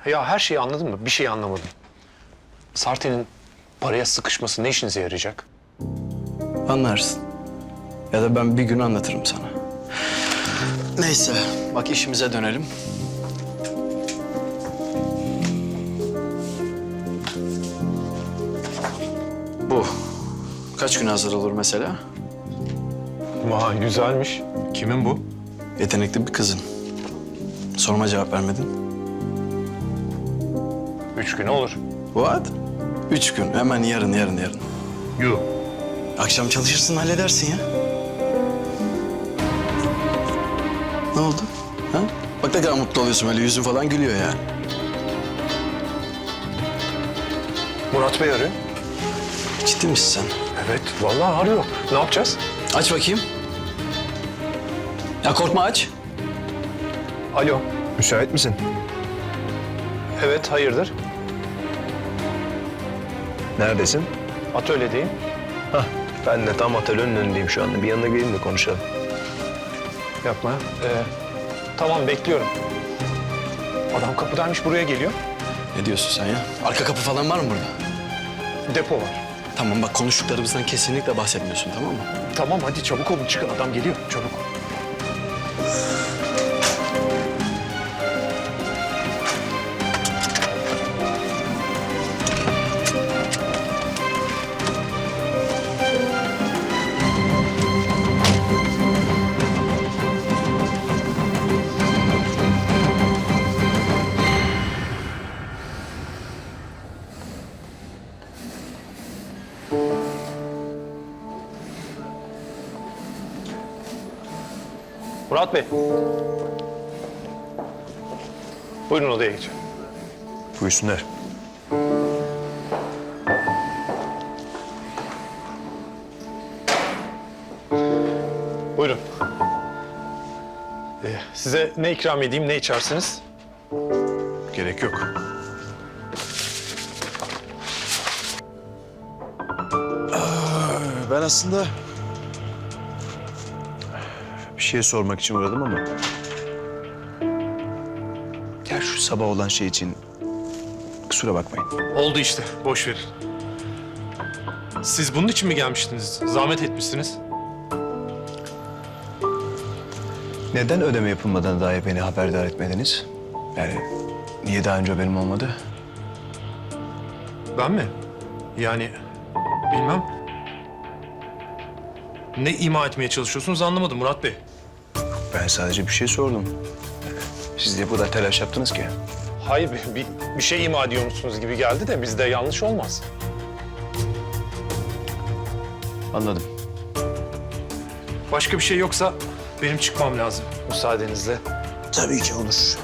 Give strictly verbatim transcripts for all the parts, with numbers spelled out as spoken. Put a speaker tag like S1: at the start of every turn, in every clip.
S1: Ya her şeyi anladın mı? Bir şey anlamadım. Sarte'nin paraya sıkışması ne işinize yarayacak?
S2: Anlarsın. Ya da ben bir gün anlatırım sana. Neyse, bak işimize dönelim. Bu kaç gün hazır olur mesela?
S1: Vay güzelmiş. Kimin bu?
S2: Yetenekli bir kızın. Soruma cevap vermedin.
S1: Üç gün olur.
S2: What? Üç gün. Hemen yarın, yarın, yarın.
S1: Yuh.
S2: Akşam çalışırsın, halledersin ya. Ne oldu? Ha? Bak ne kadar mutlu oluyorsun, öyle yüzün falan gülüyor ya.
S1: Murat Bey arıyor.
S2: Ciddi misin sen?
S1: Evet, vallahi arıyor. Ne yapacağız?
S2: Aç bakayım. Ya korkma, aç.
S1: Alo.
S3: Müsait misin?
S1: Evet, hayırdır?
S3: Neredesin?
S1: Atölyedeyim.
S3: Hah, ben de tam atölyenin önündeyim şu anda. Bir yanına geleyim de konuşalım.
S1: Yapma. Ee, tamam, bekliyorum. Adam kapıdaymış, buraya geliyor.
S2: Ne diyorsun sen ya? Arka kapı falan var mı burada?
S1: Depo var.
S2: Tamam bak, konuştuklarımızdan kesinlikle bahsetmiyorsun, tamam mı?
S1: Tamam, hadi çabuk olun, çıkın. Adam geliyor, çabuk. Murat Bey. Buyurun odaya geçin.
S3: Buyursunlar.
S1: Buyurun. Ee, size ne ikram edeyim, ne içersiniz?
S3: Gerek yok. Ben aslında bir şey sormak için uğradım ama... Ya şu sabah olan şey için kusura bakmayın.
S1: Oldu işte, boş verin. Siz bunun için mi gelmiştiniz? Zahmet etmişsiniz.
S3: Neden ödeme yapılmadan dahi beni haberdar etmediniz? Yani niye daha önce benim olmadı?
S1: Ben mi? Yani bilmem. Ne ima etmeye çalışıyorsunuz anlamadım Murat Bey.
S3: Ben sadece bir şey sordum. Siz de bu kadar telaş yaptınız ki.
S1: Hayır, bir, bir, bir şey ima ediyormuşsunuz gibi geldi de bizde yanlış olmaz.
S3: Anladım.
S1: Başka bir şey yoksa benim çıkmam lazım müsaadenizle.
S3: Tabii ki olur.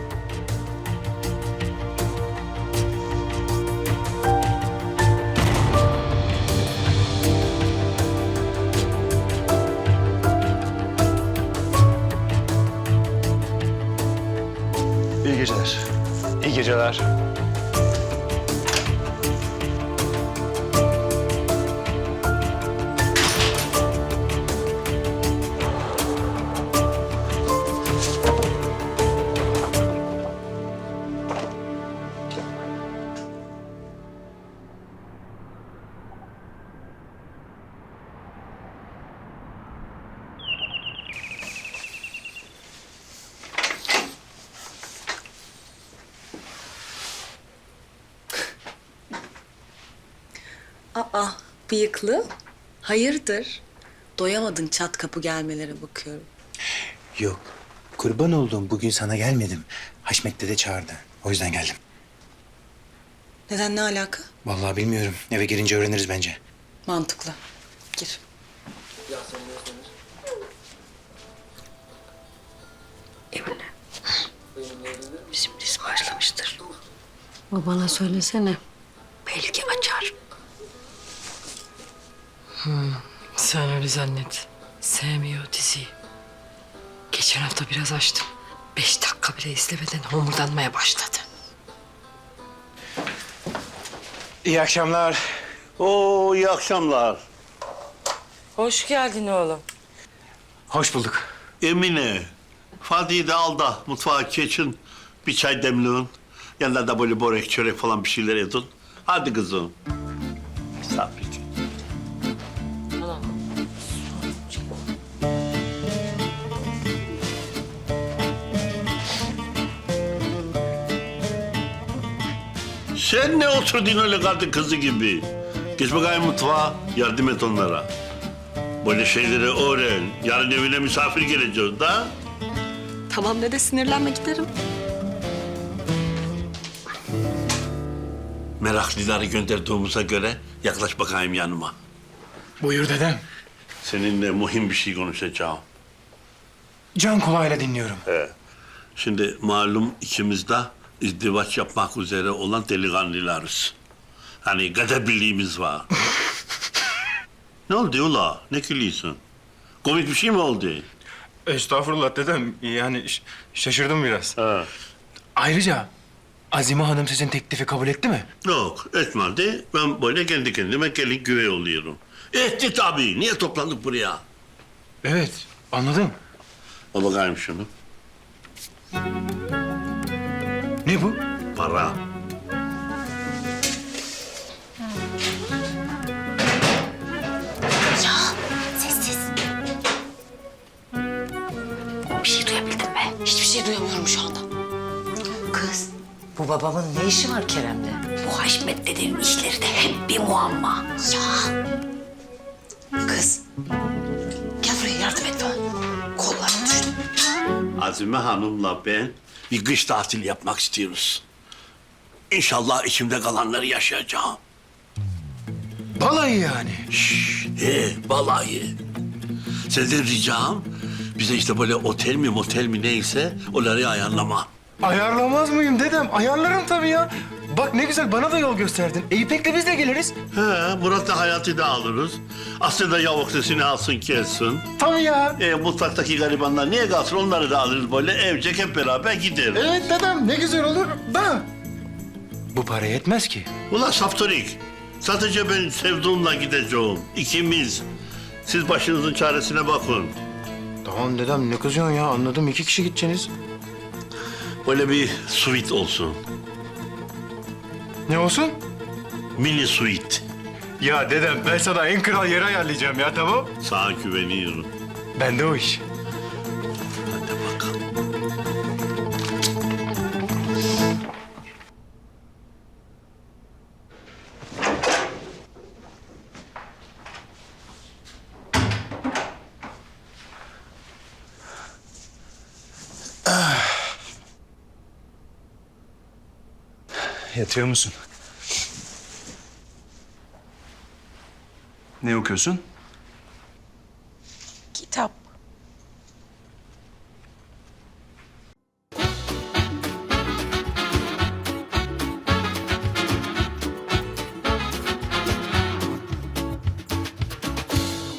S3: İyi geceler.
S1: İyi geceler.
S4: Aa, bıyıklı. Hayırdır? Doyamadın çat kapı gelmelere bakıyorum.
S5: Yok. Kurban olduğum bugün sana gelmedim. Haşmet dede çağırdı. O yüzden geldim.
S4: Neden, ne alaka?
S5: Vallahi bilmiyorum. Eve girince öğreniriz bence.
S4: Mantıklı. Gir.
S6: Emine. Bizim dizi başlamıştır. Babana söylesene. Belki açar. Hmm, sen öyle zannet. Sevmiyor diziyi. Geçen hafta biraz açtım. Beş dakika bile izlemeden homurdanmaya başladı.
S5: İyi akşamlar.
S7: Oo, iyi akşamlar.
S8: Hoş geldin oğlum.
S5: Hoş bulduk.
S7: Emine, Fadi'yi de al da mutfağa geçin. Bir çay demliğin. Yanına da böyle börek, çörek falan bir şeyler edin. Hadi kızım. Misafir. Sen ne oturdun öyle kadın kızı gibi? Geç bakayım mutfağa, yardım et onlara. Böyle şeyleri öğren. Yarın evine misafir geleceğiz da.
S4: Tamam dede, sinirlenme, giderim.
S7: Meraklıları gönderdiğimize göre yaklaş bakayım yanıma.
S5: Buyur dedem.
S7: Seninle mühim bir şey konuşacağım.
S5: Can kulağıyla dinliyorum.
S7: Şimdi malum ikimiz de izdivaç yapmak üzere olan delikanlılarız. Hani kader birliğimiz var. Ne oldu ula? Ne gülüyorsun? Komik bir şey mi oldu?
S5: Estağfurullah dedem. Yani ş- şaşırdım biraz.
S7: Ha.
S5: Ayrıca Azime Hanım sizin teklifi kabul etti mi?
S7: Yok, etmedi. Ben böyle kendi kendime gelin güvey oluyorum. Etti tabii. Niye toplandık buraya?
S5: Evet, anladım.
S7: Al bakayım şunu.
S5: Ne bu?
S7: Para.
S4: Sessiz. Bir şey duyabildin mi? Hiçbir şey duyamıyorum şu anda.
S8: Kız, bu babamın ne işi var Kerem'le?
S4: Bu Haşmet dedenin işleri de hep bir muamma. Ya. Kız. Gel buraya, yardım et bana. Kollarım düştü.
S7: Azime Hanım'la ben bir kış tatili yapmak istiyoruz. İnşallah içimde kalanları yaşayacağım.
S5: Balayı yani.
S7: He, balayı. Senden ricam bize işte böyle otel mi motel mi neyse onları ayarlama.
S5: Ayarlamaz mıyım dedem? Ayarlarım tabii ya. Bak ne güzel bana da yol gösterdin. E, İpek'le biz de geliriz.
S7: He, Murat'la Hayat'ı da alırız. Aslında yavuk sesini alsın kessin.
S5: Tabii ya.
S7: E, mutfaktaki garibanlar niye kalsın onları da alırız böyle evcek hep beraber gideriz.
S5: Evet dedem ne güzel olur da. Bu para yetmez ki.
S7: Ulan Saftorik, sadece ben sevduğumla gideceğim. İkimiz. Siz başınızın çaresine bakın.
S5: Tamam dedem ne kızıyorsun ya anladım iki kişi gideceksiniz.
S7: Böyle bir suite olsun.
S5: Ne olsun?
S7: Mini suite.
S5: Ya dedem ben sana en kral yeri ayarlayacağım ya tamam.
S7: Sana güveniyorum.
S5: Bende o iş.
S7: Hadi bakalım.
S3: Yatıyor musun? Ne okuyorsun?